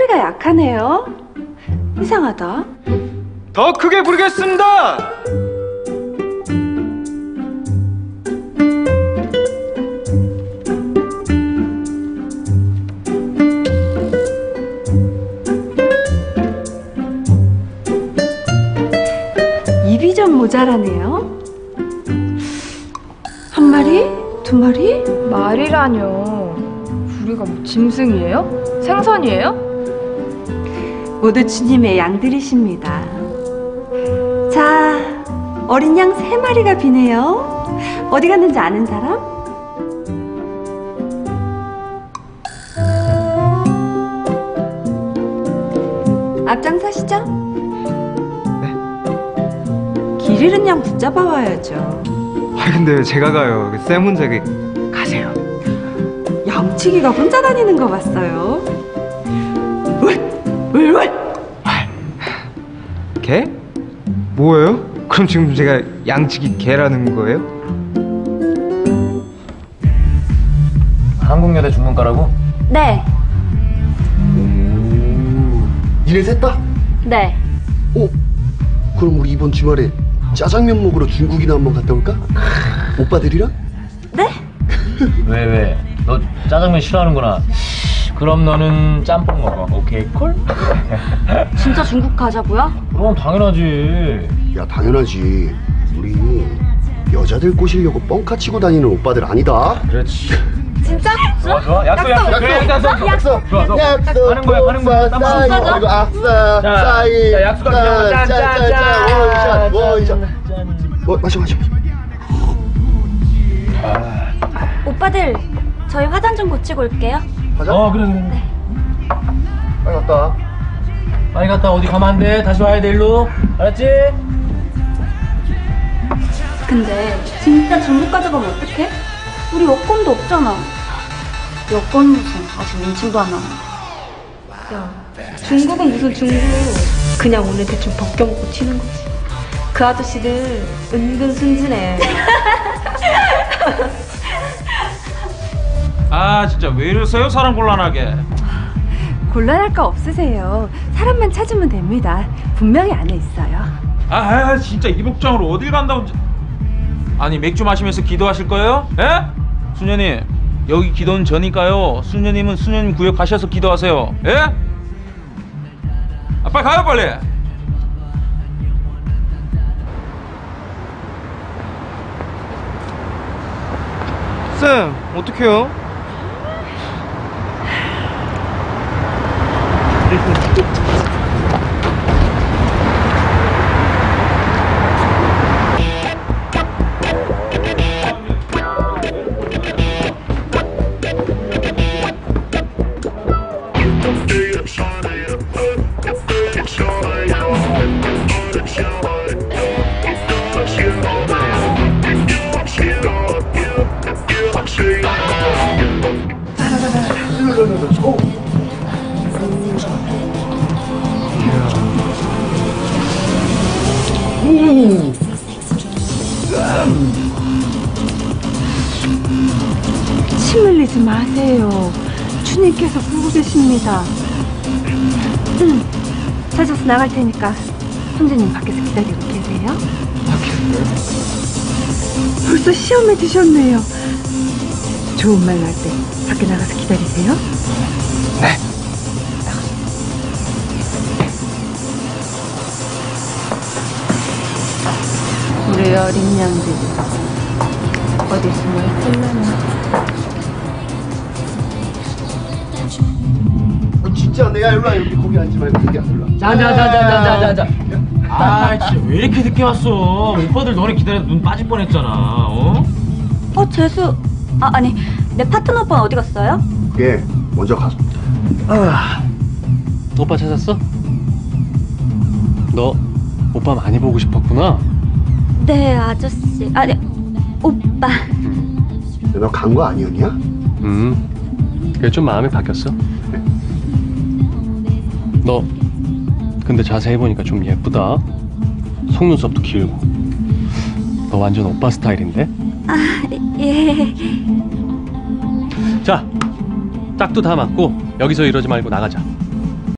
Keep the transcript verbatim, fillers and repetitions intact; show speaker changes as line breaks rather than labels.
소리가 약하네요. 이상하다.
더 크게 부르겠습니다.
입이 좀 모자라네요. 한 마리? 두 마리?
말이라뇨. 우리가 뭐 짐승이에요? 생선이에요?
모두 주님의 양들이십니다. 자, 어린 양 세 마리가 비네요. 어디 갔는지 아는 사람? 앞장서시죠? 네. 길 잃은 양 붙잡아 와야죠.
아 근데 제가 가요. 쌤 혼자 가세요.
양치기가 혼자 다니는 거 봤어요. 울울울.
개? 뭐예요? 그럼 지금 제가 양치기 개라는 거예요?
한국여대 중문과라고?
네.
오, 니네 셋 다?
네.
어? 그럼 우리 이번 주말에 짜장면 먹으러 중국이나 한번 갔다 올까? 오빠들이랑?
네?
왜 왜? 너 짜장면 싫어하는구나. 그럼 너는 짬뽕 먹어. 오케이 콜?
진짜 중국 가자고요?
그럼 당연하지.
야 당연하지. 우리 여자들 꼬시려고 뻥카 치고 다니는 오빠들 아니다.
그렇지.
진짜?
좋아 좋아. 약속 약속.
약속.
그래 약속.
약속.
좋아 좋아.
약속.
가는 거야 가는 거야. 땀
싸이.
안
이거 아싸.
자,
싸이.
자, 약속하자. 짠짠짠.
원샷 원샷. 뭐 마셔 마셔.
오빠들, 저희 화장 좀 고치고 올게요.
가자.
어 그래 그래.
빨리 갔다.
빨리 갔다 어디 가면 안 돼. 다시 와야 돼 일로. 알았지?
근데 진짜 중국 가져가면 어떡해? 우리 여권도 없잖아. 여권 무슨 아직 인증도 안 하는데.
야, 중국은 무슨 중국. 그냥 오늘 대충 벗겨먹고 튀는 거지. 그 아저씨들 은근 순진해.
아 진짜 왜 이러세요? 사람 곤란하게.
곤란할 거 없으세요. 사람만 찾으면 됩니다. 분명히 안에 있어요.
아, 아 진짜 이 복장으로 어딜 간다고. 아니 맥주 마시면서 기도하실 거예요? 예? 수녀님 여기 기도는 저니까요. 수녀님은 수녀님 구역 가셔서 기도하세요. 예? 아 빨리 가요 빨리.
쌤 어떡해요?
침 흘리지 마세요. 주님께서 보고 계십니다. 음, 찾아서 나갈 테니까 선생님 밖에서 기다리고 계세요. 벌써 시험에 드셨네요. 좋은 말 날 때 밖에 나가서 기다리세요.
네.
우리 어린 양들이 어디 숨어 있을려나.
진짜 내가 일로 와. 여기 거기 앉지 말고 거기 앉을라.
자자자자자자자. 아 진짜 왜 이렇게 늦게 왔어? 오빠들 너네 기다려서 눈 빠질 뻔했잖아. 어?
어, 재수. 아, 아니, 내 파트너 오빠는 어디 갔어요?
예, 먼저 가서.
아, 오빠 찾았어? 너 오빠 많이 보고 싶었구나?
네, 아저씨. 아, 네, 오빠.
너 간 거 아니었냐?
음, 그게 좀 마음이 바뀌었어. 너 근데 자세히 보니까 좀 예쁘다. 속눈썹도 길고. 너 완전 오빠 스타일인데?
아, 예.
자, 짝도 다 맞고 여기서 이러지 말고 나가자.